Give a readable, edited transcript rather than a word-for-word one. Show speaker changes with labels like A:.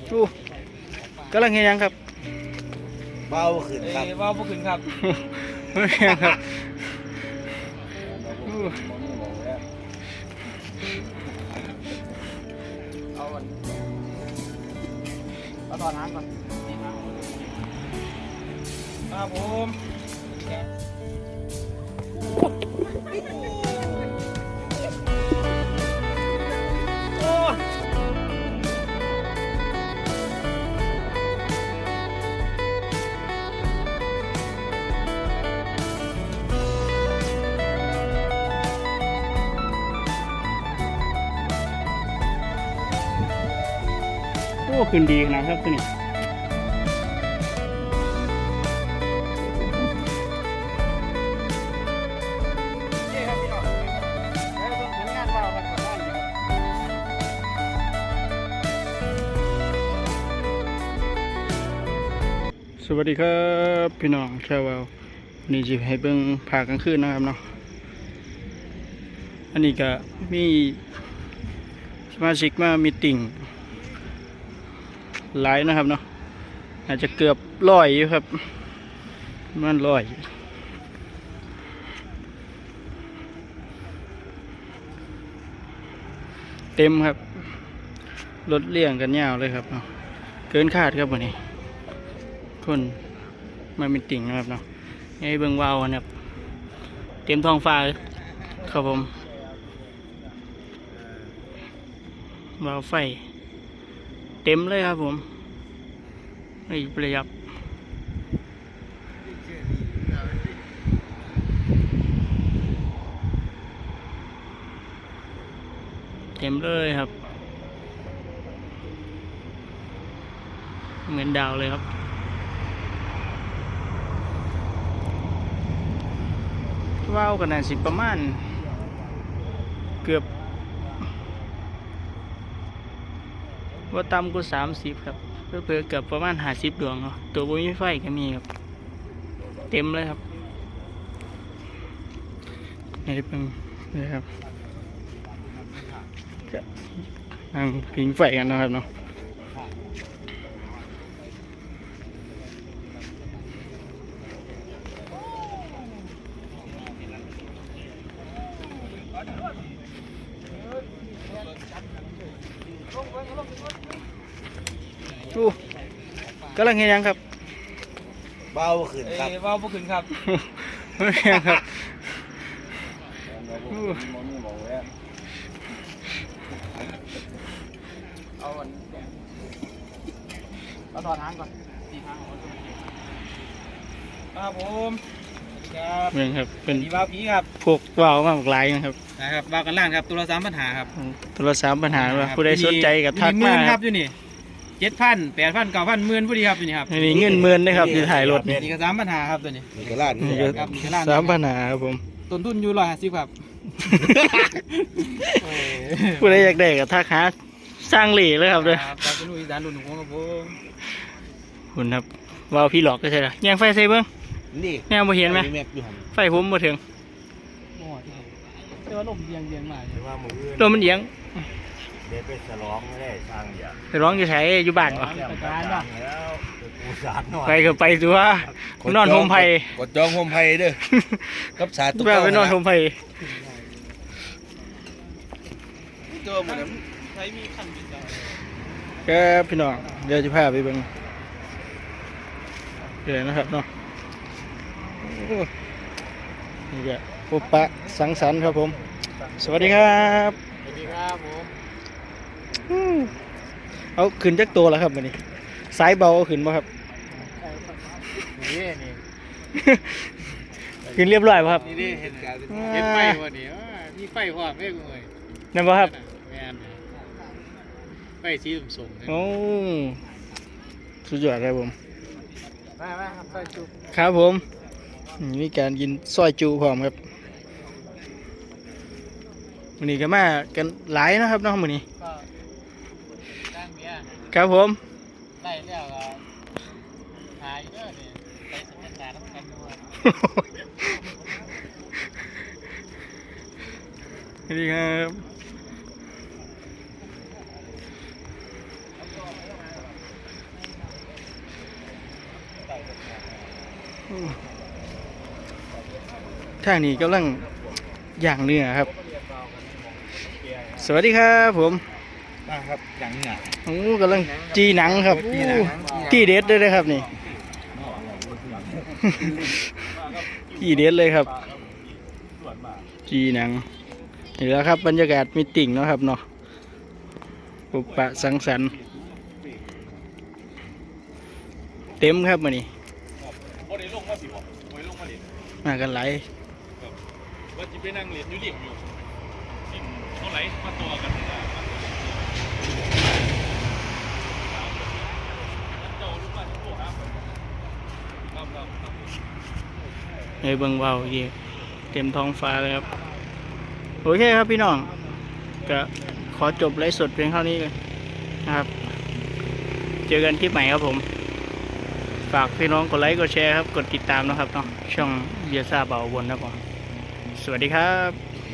A: อู้กำลังเห็นยังครับ
B: เบาขึ้นครับ
C: เบาขึ้นครับ
A: ไม่เห็นครับ
C: เอาตอนน้ำก่อนครับผม
A: โอ้ขึ้นดีนะครับตัวนี้สวัสดีครับพี่น้องแค่ว่านี่จะให้เบิ่งผากลางคืนนะครับเนาะอันนี้ก็มีสมาชิกมามีติ่งหลายนะครับเนาะอาจจะเกือบ100อยู่ครับมัน100เต็มครับรถเลี่ยงกันยาวเลยครับเนาะเกินคาดครับวันนี้คนมามีติ่งนะครับเนาะให้เบิ่งวาวนะครับเต็มท้องฟ้าครับผมวาวไฟเต็มเลยครับผมไม่ประหยัดเต็มเลยครับเหมือนดาวเลยครับว้าวกันนะสิประมาณเกือบว่าต่ำกว่า30ครับเพื่อเกือบประมาณ50 ดวงเนาะตัวบุ้ยไฟก็มีครับเต็มเลยครับนี่เป็นนี่ครับนั่งผิงไฟกันนะครับเนาะอู้กำลังเห็นยังครับ
B: เบาขึ้นครับ
C: เบาขึ้นครับ
A: ไม่เห็นครับ
C: เอาตอนน้ำก่อนครับผมครับ
A: เมืองครับเป็น
C: ดีบ้าผีครับ
A: พวกว่าวมากหลายนะครับ
C: นะครับบ้ากันล่างครับตัวละ3 ปัญหาครับ
A: ตัวละ3 ปัญหาว่าผู้ใดสนใจกับทักมา
C: ครับอยู่นี่7,000 8,000 9,000 10,000ผู้ดีครับอยู่นี่ครับ
A: นี่เงิน10,000นะครับที่ถ่ายรถนี่
C: ก็3 ปัญหาครับตัวนี้
B: มีกระลาด
A: นี่ก็3 ปัญหาครับผม
C: ต้นทุนอยู่150ครับ
A: ผู้ใดอยากได้กับทักหาสร้างเหล่เลยครับด้วย
C: ครับเป็นลุยด้านรุ่นของครับผม
A: คุณครับว่าวพี่หลอกก็ใช่หรอยังไฟใส่เบิ้ง
B: นี่
A: แนวมาเห็นไหมไฟผมมาถึง
C: แต่ว่าลมเยียงมา
A: ลมมันเยียง
B: เดี๋ยวไปฉลองไม่ได้สร้างอย่าง
A: ไปร้องอยู่ใช้อยู่บ้านวะไปก็ไปดูว่านอนโฮมไผ่
B: กดจองโฮมไผ่เด้อกับสาตุก
A: ไปนอนโฮมไผ่
C: ตัวเหมือนใช้มีขันบิน
A: แกพี่น้องเดี๋ยวจะพาไปเบิ่งเดี๋ยวนะครับเนาะนี่แกพบปะสังสรรค์ครับผมสวัสดีครับ
C: สวัสดีครับผม
A: เอาขึ้นจักตัวแล้วครับวันนี้สายเบาเอาขึ้นบ่ครับ
C: นี่
A: ขึ้นเรียบร้อยป่ะครับ
C: นี่เห็นการเห็นไฟวันนี้มีไฟพร้อมเลยเลย
A: นั่นป่ะครับ
C: ไฟสีส้ม
A: โอ้สุดยอดครับผม
C: มาครับซอยจู
A: ครับผมมีการกินซอยจูพร้อมครับวันนี้ก็มากันหลายนะครับน้องวันนี้ครับผม
C: ได้เรื่องหายเยอะเนี่ยไปสมัครงานต้องกันด้วย
A: สวัสดีครับทางนี้กำลังย่างเนื้อครับ สวัสดีครับผม
B: มาครับอย่างเนี้ย
A: โอ้กำลังจีหนังครับ
B: จีหนัง
A: ที่เด็ดเลยนะครับนี่ ที่เด็ดเลยครับ จีหนังนี่แหล้วครับบรรยากาศมีติ่งเนาะครับเนาะปุบปะสังสรรค์เต็มครับมื้อนี้มากันหลาย
D: ว่าจะไปนั่งเรียนอยู่เรียนอยู่สิ่งเท่าไหร่มาตัวกันนะเจ้ารู้ว่าจะโทรหาครับ
A: เฮ้ยเบิ่งเบาอีกเต็มท้องฟ้าเลยครับโอเคครับพี่น้องก็ขอจบไลฟ์สดเพียงเท่านี้เลยนะครับ เจอกันคลิปใหม่ครับผม ฝากพี่น้องกดไลค์กดแชร์ครับกดติดตามนะครับเนาะช่องเบียร์ซ่าเบาบนนะครับผมสวัสดีครับ